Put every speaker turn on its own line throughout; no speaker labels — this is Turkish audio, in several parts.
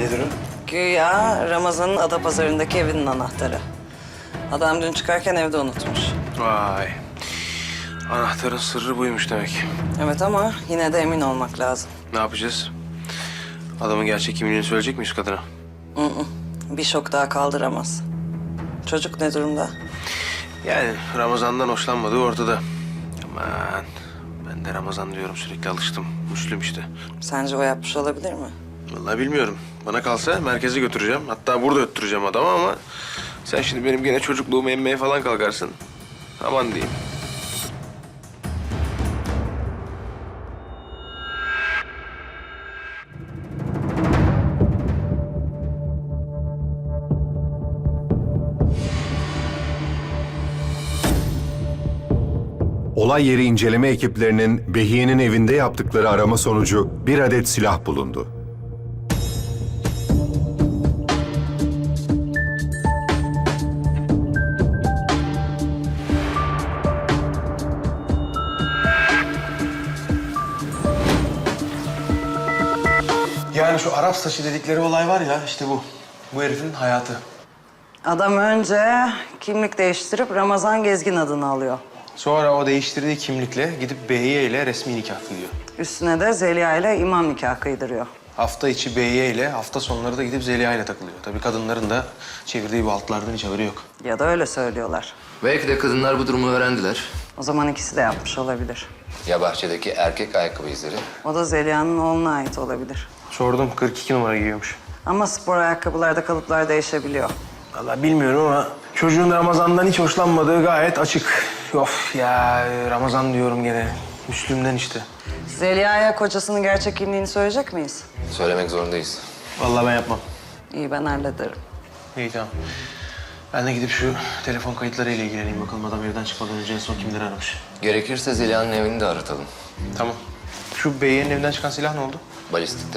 Nedir o?
Güya Ramazan'ın Adapazarı'ndaki evinin anahtarı. Adam dün çıkarken evde unutmuş.
Vay. Anahtarın sırrı buymuş demek.
Evet ama yine de emin olmak lazım.
Ne yapacağız? Adamın gerçek kimliğini söyleyecek miyiz kadına?
Bir şok daha kaldıramaz. Çocuk ne durumda?
Yani Ramazan'dan hoşlanmadığı ortada. Aman ben de Ramazan diyorum, sürekli alıştım. Müslüm işte.
Sence o yapmış olabilir mi?
Vallahi bilmiyorum. Bana kalsa merkeze götüreceğim. Hatta burada öttüreceğim adamı ama... sen şimdi benim gene çocukluğumu emmeye falan kalkarsın. Aman diyeyim.
Olay yeri inceleme ekiplerinin Behiye'nin evinde yaptıkları arama sonucu bir adet silah bulundu.
Yani şu Arap saçı dedikleri olay var ya, işte bu. Bu herifin hayatı.
Adam önce kimlik değiştirip Ramazan Gezgin adını alıyor.
Sonra o değiştirdiği kimlikle gidip Behiye ile resmi nikah kılıyor.
Üstüne de Zeliha ile imam nikah kıydırıyor.
Hafta içi Behiye ile, hafta sonları da gidip Zeliha ile takılıyor. Tabii kadınların da çevirdiği bu altlardan hiç haberi yok.
Ya da öyle söylüyorlar.
Belki de kadınlar bu durumu öğrendiler.
O zaman ikisi de yapmış olabilir.
Ya bahçedeki erkek ayakkabı izleri?
O da Zeliha'nın oğluna ait olabilir.
Sordum, 42 numara giyiyormuş.
Ama spor ayakkabılarda kalıplar değişebiliyor.
Vallahi bilmiyorum ama çocuğun Ramazan'dan hiç hoşlanmadığı gayet açık. Of ya, Ramazan diyorum gene. Müslüm'den işte.
Zeliha'ya kocasının gerçek kimliğini söyleyecek miyiz?
Söylemek zorundayız.
Vallahi ben yapmam.
İyi, ben hallederim.
İyi, tamam. Ben de gidip şu telefon kayıtlarıyla ilgileneyim bakalım, adam evden çıkmadan önce en son kimleri aramış.
Gerekirse Zeliha'nın evini de aratalım.
Tamam. Şu Beyiye'nin evinden çıkan silah ne oldu?
Balistikte.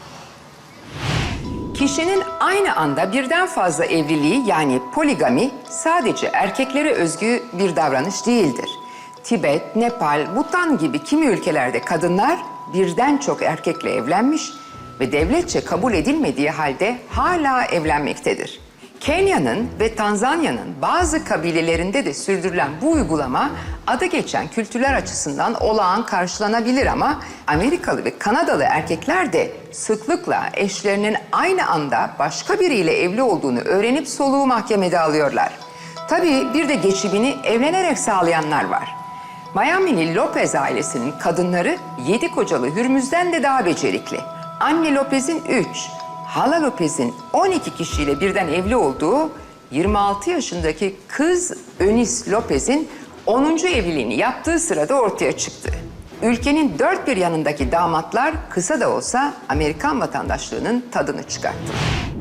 Kişinin aynı anda birden fazla evliliği yani poligami sadece erkeklere özgü bir davranış değildir. Tibet, Nepal, Bhutan gibi kimi ülkelerde kadınlar birden çok erkekle evlenmiş ve devletçe kabul edilmediği halde hala evlenmektedir. Kenya'nın ve Tanzanya'nın bazı kabilelerinde de sürdürülen bu uygulama adı geçen kültürler açısından olağan karşılanabilir ama Amerikalı ve Kanadalı erkekler de sıklıkla eşlerinin aynı anda başka biriyle evli olduğunu öğrenip soluğu mahkemede alıyorlar. Tabii bir de geçimini evlenerek sağlayanlar var. Miami'li Lopez ailesinin kadınları 7 kocalı Hürmüz'den de daha becerikli. Anne Lopez'in 3, hala Lopez'in 12 kişiyle birden evli olduğu 26 yaşındaki kız Eunice Lopez'in 10. evliliğini yaptığı sırada ortaya çıktı. Ülkenin dört bir yanındaki damatlar kısa da olsa Amerikan vatandaşlığının tadını çıkarttı.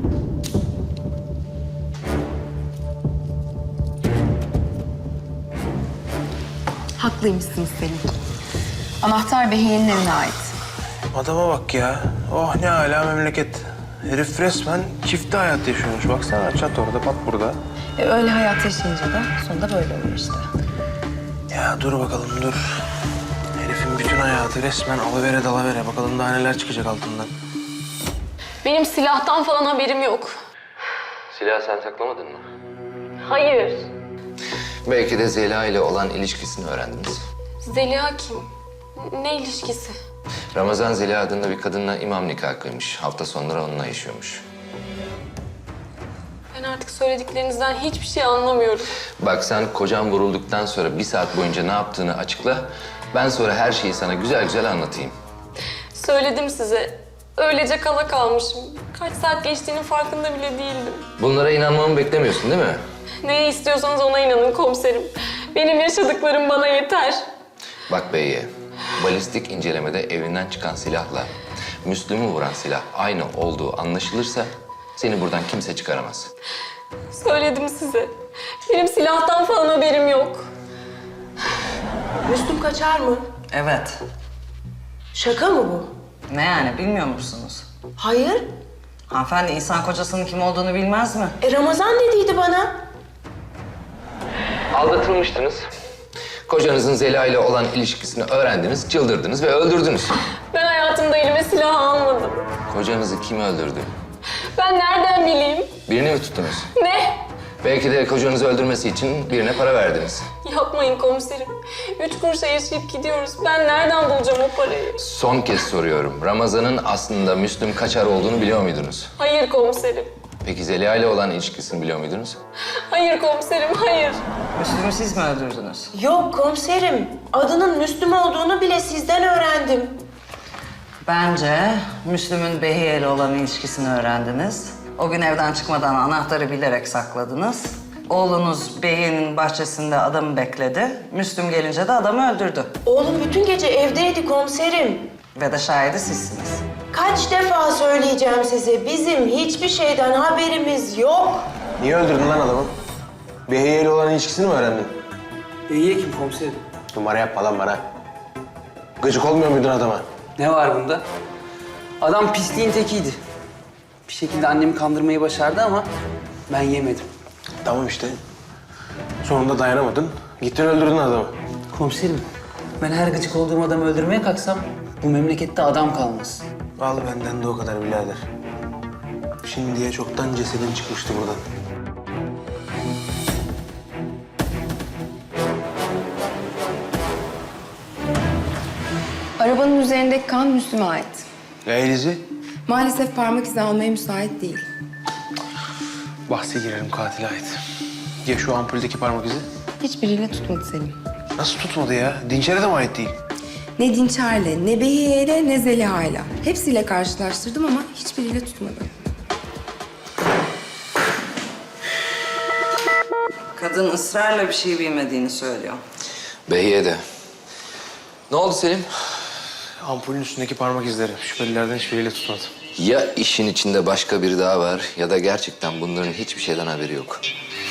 Haklıymışsınız Selim. Anahtar Behiye'nin evine ait.
Adama bak ya. Oh ne âlâ memleket. Herif resmen çifte hayat yaşıyormuş. Baksana, çat orada, pat burada.
Öyle hayat yaşayınca da sonunda böyle oluyor işte.
Ya dur bakalım, dur. Herifin bütün hayatı resmen alıvere dalavere. Bakalım daha neler çıkacak altından.
Benim silahtan falan haberim yok.
Silahı sen saklamadın mı?
Hayır.
Belki de Zeliha ile olan ilişkisini öğrendiniz.
Zeliha kim? Ne ilişkisi?
Ramazan Zeliha adında bir kadınla imam nikahı kıymış. Hafta sonları onunla yaşıyormuş.
Ben artık söylediklerinizden hiçbir şey anlamıyorum.
Bak sen kocan vurulduktan sonra 1 saat boyunca ne yaptığını açıkla. Ben sonra her şeyi sana güzel güzel anlatayım.
Söyledim size. Öylece kala kalmışım. Kaç saat geçtiğinin farkında bile değildim.
Bunlara inanmamı beklemiyorsun değil mi?
Neye istiyorsanız ona inanın komiserim. Benim yaşadıklarım bana yeter.
Bak Beyye, balistik incelemede evinden çıkan silahla Müslüm'ü vuran silah aynı olduğu anlaşılırsa seni buradan kimse çıkaramaz.
Söyledim size. Benim silahtan falan haberim yok. Müslüm kaçar mı?
Evet.
Şaka mı bu?
Ne yani, bilmiyor musunuz?
Hayır.
Hanımefendi insan kocasının kim olduğunu bilmez mi?
Ramazan dediydi bana.
Aldatılmıştınız. Kocanızın Zeliha ile olan ilişkisini öğrendiniz, çıldırdınız ve öldürdünüz.
Ben hayatımda elime silah almadım.
Kocanızı kim öldürdü?
Ben nereden bileyim?
Birini mi tuttunuz?
Ne?
Belki de kocanızı öldürmesi için birine para verdiniz.
Yapmayın komiserim. 3 kuruşa yaşayıp gidiyoruz. Ben nereden bulacağım o parayı?
Son kez soruyorum. Ramazan'ın aslında Müslüm Kaçar olduğunu biliyor muydunuz?
Hayır komiserim.
Peki Zeliha ile olan ilişkisini biliyor muydunuz?
Hayır komiserim, hayır.
Müslüm'ü siz mi öldürdünüz?
Yok komiserim. Adının Müslüm olduğunu bile sizden öğrendim.
Bence Müslüm'ün Behiye ile olan ilişkisini öğrendiniz. O gün evden çıkmadan anahtarı bilerek sakladınız. Oğlunuz Behiye'nin bahçesinde adamı bekledi. Müslüm gelince de adamı öldürdü.
Oğlum bütün gece evdeydi komiserim.
Ve de şahidi sizsiniz.
Kaç defa söyleyeceğim size, bizim hiçbir şeyden haberimiz yok.
Niye öldürdün lan adamı? Behiye ile olan ilişkisini mi öğrendin?
İyi kim komiserim?
Numara yapma lan bana. Gıcık olmuyor muydun adama?
Ne var bunda? Adam pisliğin tekiydi. Bir şekilde annemi kandırmayı başardı ama ben yemedim.
Tamam işte. Sonunda dayanamadın. Gittin öldürdün adamı.
Komiserim, ben her gıcık olduğum adamı öldürmeye kalksam bu memlekette adam kalmaz.
Al benden de o kadar birader. Şimdiye çoktan cesedin çıkmıştı buradan.
Arabanın üzerindeki kan Müslüm'e ait.
Elizi,
Maalesef parmak izi almaya müsait değil.
bahse girerim katile ait. Ya şu ampuldeki parmak izi?
Hiçbiriyle tutmadı Selim.
Nasıl tutmadı ya? Dinçer'e de mi ait değil?
Ne Dinçer'le, ne Behiye'yle, ne Zeliha'yla. Hepsiyle karşılaştırdım ama hiçbiriyle tutmadı.
Kadın ısrarla bir şey bilmediğini söylüyor.
Behiye de. Ne oldu Selim?
Ampulün üstündeki parmak izleri. Şüphelilerden hiçbiriyle tutmadı.
Ya işin içinde başka biri daha var ya da gerçekten bunların hiçbir şeyden haberi yok.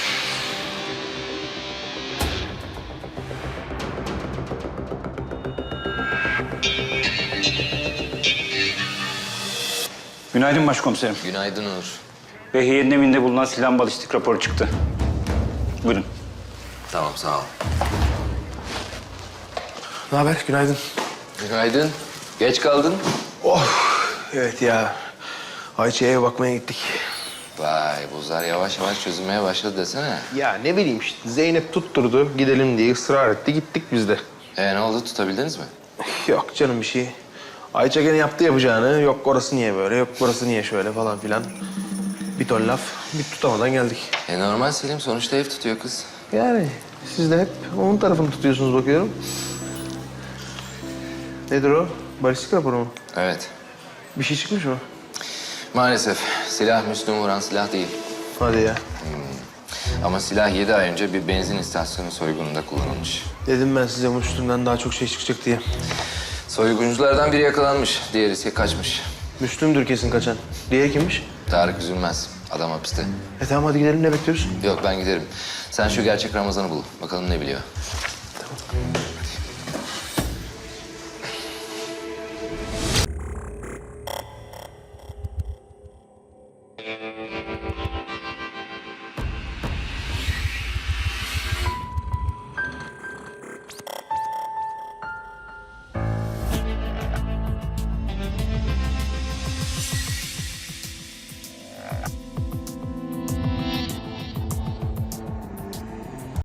Günaydın başkomiserim.
Günaydın Uğur.
Behiye'nin evinde bulunan silah balistik raporu çıktı. Buyurun.
Tamam sağ ol.
Ne haber? Günaydın.
Günaydın. Geç kaldın.
Evet ya. Ayça'ya eve bakmaya gittik.
Vay buzlar yavaş yavaş çözülmeye başladı desene.
Ya ne bileyim işte. Zeynep tutturdu. Gidelim diye ısrar etti. Gittik biz de.
Ne oldu tutabildiniz mi?
Yok canım bir şey. Ayça gene yaptı yapacağını. Yok orası niye böyle, yok orası niye şöyle falan filan. Bir ton laf. Bir tutamadan geldik.
Normal Selim sonuçta ev tutuyor kız.
Yani siz de hep onun tarafını tutuyorsunuz bakıyorum. Nedir o? Balistik raporu mu?
Evet.
Bir şey çıkmış mı?
Maalesef silah Müslüm vuran silah değil.
Hadi ya.
Ama silah 7 ay önce bir benzin istasyonu soygununda kullanılmış.
Dedim ben size bu üstünden daha çok şey çıkacak diye.
Soygunculardan biri yakalanmış, diğeri ise kaçmış.
Müslüm'dür kesin kaçan. Diğeri kimmiş?
Tarık Üzülmez, adam hapiste.
Tamam hadi gidelim ne bekliyoruz?
Yok ben giderim. Sen şu gerçek Ramazan'ı bul. Bakalım ne biliyor.